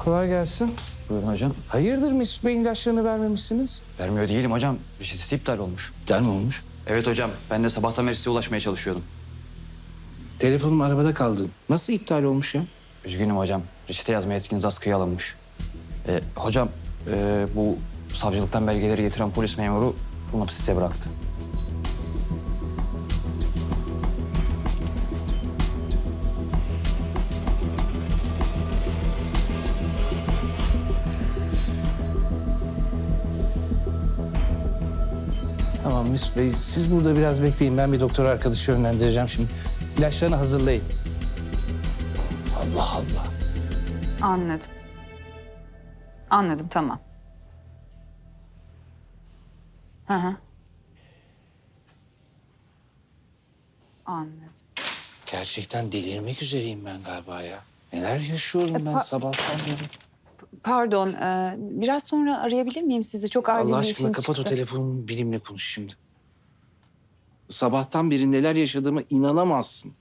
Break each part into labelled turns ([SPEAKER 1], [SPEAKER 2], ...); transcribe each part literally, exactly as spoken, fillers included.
[SPEAKER 1] Kolay gelsin.
[SPEAKER 2] Buyurun hocam.
[SPEAKER 1] Hayırdır Mesut Bey'in ilaçlarını vermemişsiniz?
[SPEAKER 2] Vermiyor değilim hocam. Reçetesi iptal olmuş.
[SPEAKER 1] İptal mi olmuş?
[SPEAKER 2] Evet hocam. Ben de sabahtan beri size ulaşmaya çalışıyordum.
[SPEAKER 1] Telefonum arabada kaldı. Nasıl iptal olmuş ya?
[SPEAKER 2] Üzgünüm hocam. Reçete yazma yetkiniz askıya alınmış. Ee, hocam e, bu savcılıktan belgeleri getiren polis memuru bunu size bıraktı.
[SPEAKER 1] Tamam Mesut Bey, siz burada biraz bekleyin. Ben bir doktor arkadaşı yönlendireceğim şimdi. İlaçlarını hazırlayın. Allah Allah.
[SPEAKER 3] Anladım. Anladım, tamam. Hı hı. Anladım.
[SPEAKER 1] Gerçekten delirmek üzereyim ben galiba ya. Neler yaşıyorum ben
[SPEAKER 3] pa-
[SPEAKER 1] sabahtan beri.
[SPEAKER 3] Pardon, e, biraz sonra arayabilir miyim sizi? Çok acil
[SPEAKER 1] Allah
[SPEAKER 3] bir
[SPEAKER 1] aşkına
[SPEAKER 3] işim
[SPEAKER 1] kapat o
[SPEAKER 3] çıktı.
[SPEAKER 1] telefonumu, benimle konuş şimdi. Sabahtan beri neler yaşadığıma inanamazsın.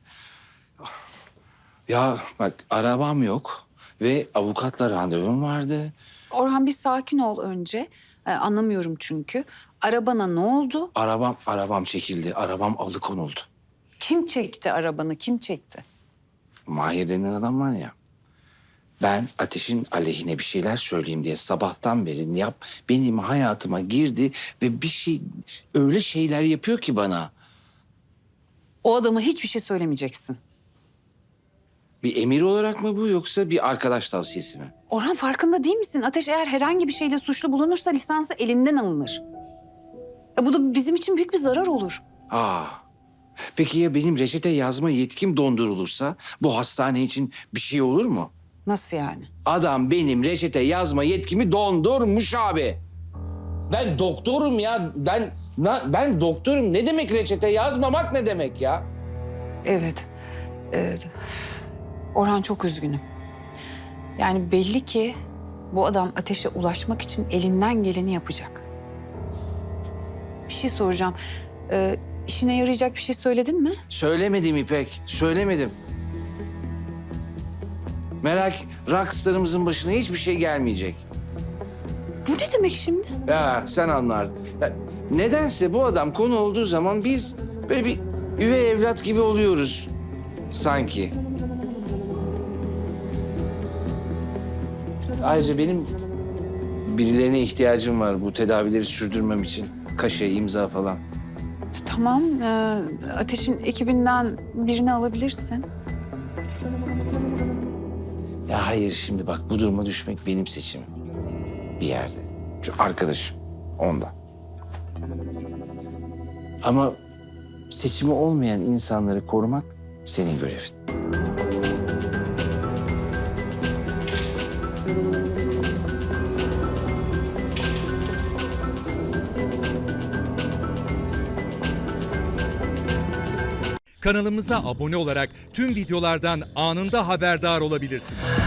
[SPEAKER 1] Ya bak, arabam yok ve avukatla randevum vardı.
[SPEAKER 3] Orhan, bir sakin ol önce. E, anlamıyorum çünkü. Arabana ne oldu?
[SPEAKER 1] Arabam, arabam çekildi. Arabam alıkonuldu.
[SPEAKER 3] Kim çekti arabanı? Kim çekti?
[SPEAKER 1] Mahir denen adam var ya. Ben Ateş'in aleyhine bir şeyler söyleyeyim diye sabahtan beri yap benim hayatıma girdi ve bir şey öyle şeyler yapıyor ki bana.
[SPEAKER 3] O adama hiçbir şey söylemeyeceksin.
[SPEAKER 1] Bir emir olarak mı bu yoksa bir arkadaş tavsiyesi mi?
[SPEAKER 3] Orhan, farkında değil misin? Ateş eğer herhangi bir şeyle suçlu bulunursa lisansı elinden alınır. Ya bu da bizim için büyük bir zarar olur.
[SPEAKER 1] Aa. Peki ya benim reçete yazma yetkim dondurulursa bu hastane için bir şey olur mu?
[SPEAKER 3] Nasıl yani?
[SPEAKER 1] Adam benim reçete yazma yetkimi dondurmuş abi. Ben doktorum ya. Ben na- ben doktorum. Ne demek reçete yazmamak ne demek ya?
[SPEAKER 3] Evet. Evet. Orhan, çok üzgünüm. Yani belli ki bu adam Ateş'e ulaşmak için elinden geleni yapacak. Bir şey soracağım. Ee, işine yarayacak bir şey söyledin mi?
[SPEAKER 1] Söylemedim İpek. Söylemedim. Merak, rockstarımızın başına hiçbir şey gelmeyecek.
[SPEAKER 3] Bu ne demek şimdi?
[SPEAKER 1] Ya sen anlardın. Ya, nedense bu adam konu olduğu zaman biz böyle bir üvey evlat gibi oluyoruz sanki. Ayrıca benim birilerine ihtiyacım var bu tedavileri sürdürmem için. Kaşe, imza falan.
[SPEAKER 3] Tamam. ee, Ateş'in ekibinden birini alabilirsin.
[SPEAKER 1] Ya hayır, şimdi bak, bu duruma düşmek benim seçimim. Bir yerde. Şu arkadaşım. Ondan. Ama seçimi olmayan insanları korumak senin görevin.
[SPEAKER 4] Kanalımıza abone olarak tüm videolardan anında haberdar olabilirsiniz.